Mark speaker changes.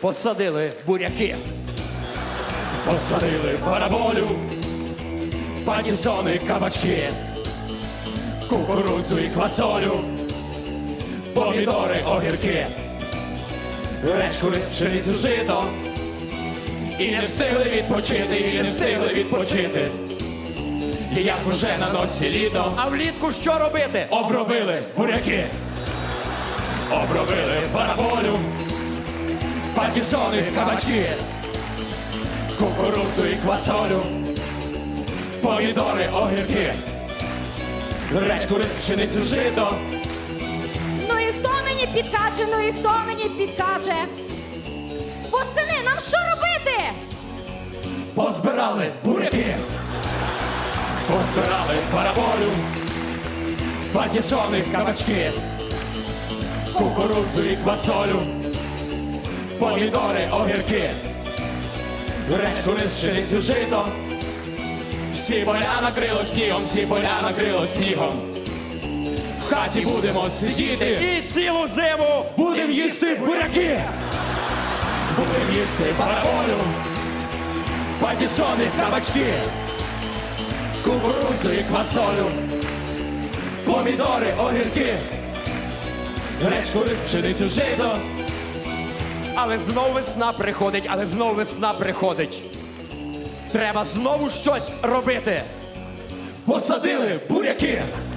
Speaker 1: посадили буряки.
Speaker 2: Посадили параболю, патісони, кабачки, кукурудзу і квасолю, помідори, огірки, речку, рис, пшеницю, жито. І не встигли відпочити, і не встигли відпочити. І як уже на носі літо,
Speaker 1: А влітку що робити?
Speaker 2: обробили буряки, обробили параболю, патісони, кабачки, кукурудзу і квасолю, помідори, огірки, речку, рис, пшеницю, жито.
Speaker 3: Ну і хто мені підкаже, ну і хто мені підкаже? Восени, нам що робити?
Speaker 2: Позбирали буряки, позбирали параболю, патісони, кабачки, кукурудзу і квасолю, помідори, огірки, речку, рис, пшеницю, жито. Всі поля накрило снігом, всі поля накрило снігом. В хаті будемо сидіти
Speaker 1: І цілу зиму
Speaker 2: будем їсти буряки, будем їсти параболю, патісони, кабачки, кукурудзу і квасолю, помідори, огірки, речку, рис, пшеницю, жито.
Speaker 1: Але знов весна приходить, але знов весна приходить. Треба знову щось робити.
Speaker 2: Посадили буряки,